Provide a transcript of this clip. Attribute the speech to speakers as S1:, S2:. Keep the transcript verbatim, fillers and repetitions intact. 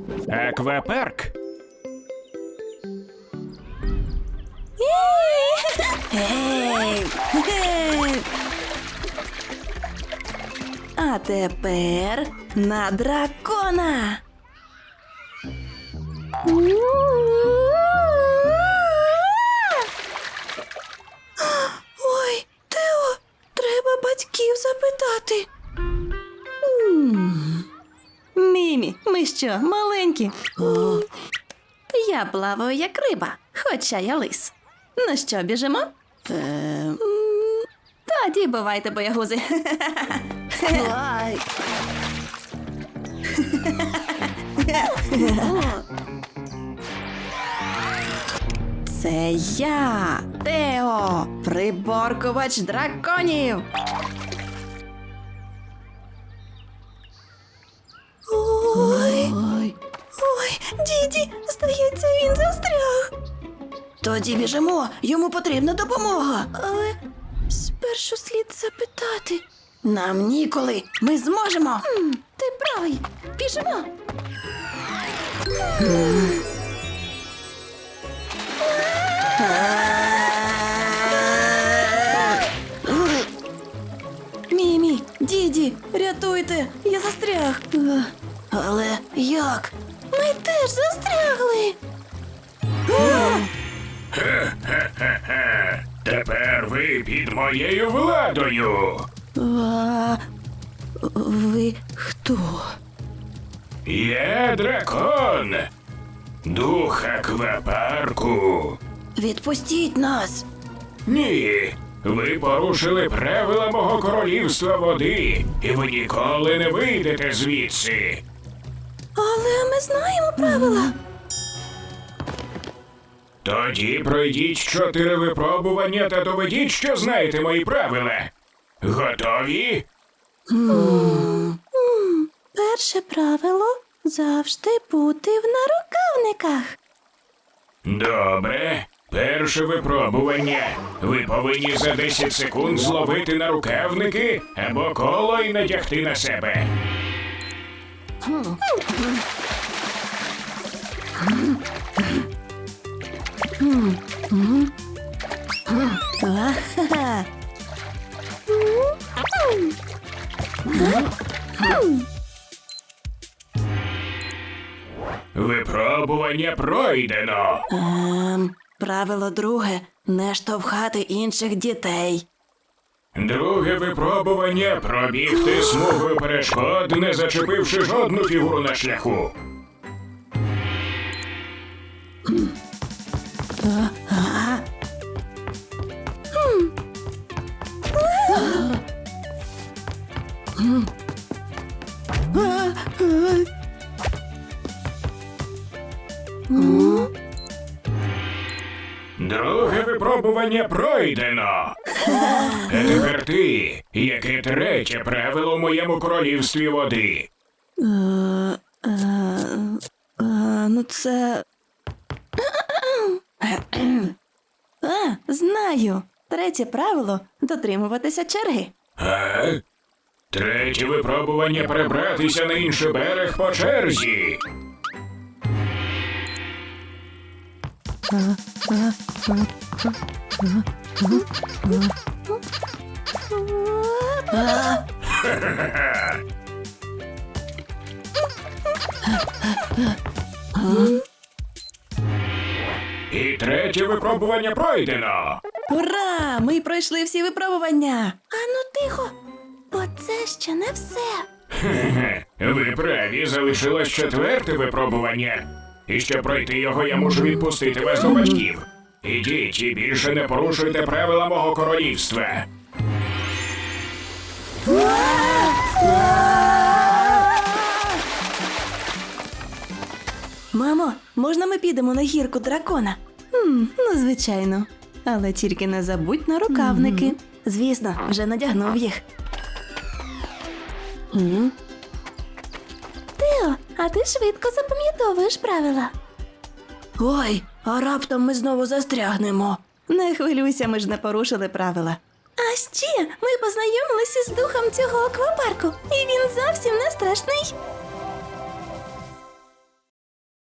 S1: Аквапарк.
S2: Гей! Гей! А тепер на дракона. Ой, Тео, треба батьків запитати. М. Мімі, ми що, маленькі? О. Я плаваю як риба, хоча я лис. Ну що, біжимо? Ем... Тоді бувайте, боягузи. Ай. Це я, Тео, приборкувач драконів. Ой, ой, ой, діді, здається, він застряг. Тоді біжимо, йому потрібна допомога. Але спершу слід запитати. Нам ніколи, ми зможемо. М, ти правий, біжимо. Мімі, діді, рятуйте, я застряг. Але як? Ми теж застрягли.
S1: Хе-хе-хе-хе. Тепер ви під моєю владою.
S2: А, ви хто?
S1: Я дракон. Дух аквапарку.
S2: Відпустіть нас.
S1: Ні, ви порушили правила мого королівства води, і ви ніколи не вийдете звідси.
S2: Але ми знаємо правила.
S1: Тоді пройдіть чотири випробування та доведіть, що знаєте мої правила. Готові?
S2: Перше правило – завжди бути в нарукавниках.
S1: Добре. Перше випробування. Ви повинні за десять секунд зловити нарукавники або коло і надягти на себе.
S2: Ага.
S1: Випробування пройдено.
S2: Ем, правило друге – не штовхати інших дітей.
S1: Друге випробування – пробігти смугою перешкод, не зачепивши жодну фігуру на шляху.
S2: Ага.
S1: Друге випробування пройдено. А тепер ти, яке третє правило в моєму королівстві води?
S2: Е, е, е, ну це... А, знаю. Третє правило – дотримуватися черги.
S1: А? Третє випробування – перебратися на інший берег по черзі. Ха-ха-ха. І третє випробування пройдено.
S2: Ура! Ми пройшли всі випробування. А ну тихо, бо це ще не все.
S1: Хе-хе. Ви праві, залишилось четверте випробування. І щоб пройти його, я мушу відпустити вас до батьків. Ідіть і більше не порушуйте правила мого королівства.
S2: Мамо, можна ми підемо на гірку дракона? Хм, ну, звичайно. Але тільки не забудь на рукавники. Звісно, вже надягнув їх. М? Тео, а ти швидко запам'ятовуєш правила. Ой, а раптом ми знову застрягнемо. Не хвилюйся, ми ж не порушили правила. А ще ми познайомилися з духом цього аквапарку, і він зовсім не страшний.